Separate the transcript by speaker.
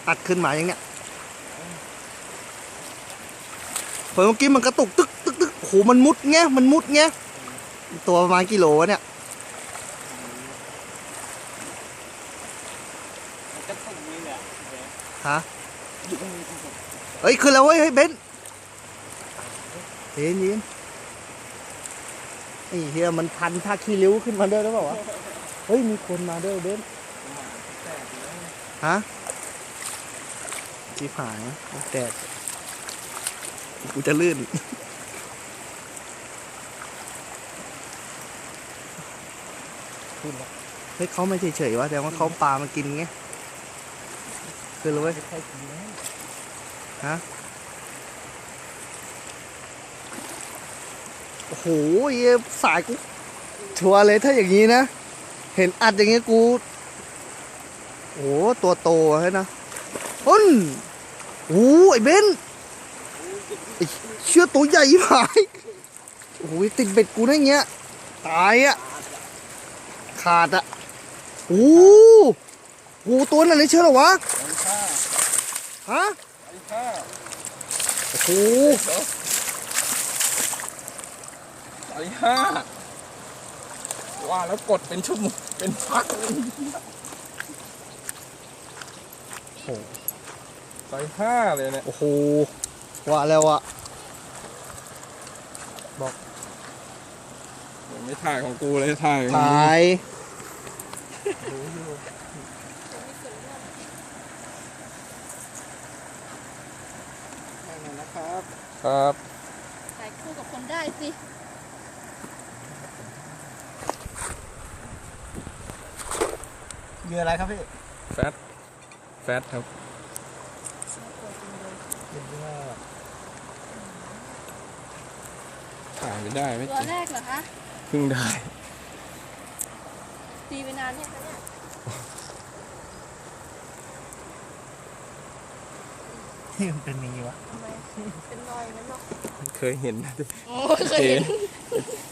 Speaker 1: อัดขึ้นมาอย่างเนี้ยเมื่อกี้มันกระตุกตึกตึกตึกโหมันมุดเงี้ยตัวประมาณกิโลวะเนี่ยฮะเฮ้ยขึ้นแล้วเว้ยเฮ้ยเบนเย็นไอ้เฮียมันพันท่าขี้ริ้วขึ้นมาด้วยหรือเปล่าวะเฮ้ยมีคนมาด้วยเบนฮะจีผายแดดกูจะลื่นเฮ้ยเขาไม่เฉยๆวะแต่ว่าเขาปลามากินไงคือรู้ไหมฮะโอ้โหสายกูชัวร์เลยถ้าอย่างนี้นะเห็นอัดอย่างงี้กูโอ้ตัวโตใช่นะอ้นโอ้ไอ้เบนเชื่อตัวใหญ่หายโอ้ยติดเบ็ดกูได้เงี้ยตายอ่ะขาดอ่ะโอ้โหตัวนั้นเลยเชื่อหรอวะฮะโอ้โห
Speaker 2: 35ว่าแล้วกดเป็นชั่วโมงเป็นพักโอ้35เลยเนี่ย
Speaker 1: โอ้โหว่าแล้วอะบอก
Speaker 2: ไม่ถ่ายของกูเลยถ่ายของ
Speaker 1: ถ่าย
Speaker 2: นะครับครับ
Speaker 3: ถ่ายคู่กับคนได้สิ
Speaker 1: เหยื่ออะไรครับพี่
Speaker 2: แฟตครับถ่ายไม่ได้ไม่
Speaker 3: ตัวแรกเหรอคะ
Speaker 2: เพิ่งได้
Speaker 3: ตีไปนานเนี่ยคะเนี่ย
Speaker 1: ที่มันเป็นอย่างนี้วะ
Speaker 3: ทำไมเป็นรอยงั้นหรอ
Speaker 2: เคยเห็นนะ
Speaker 3: โอ้เคยเห็น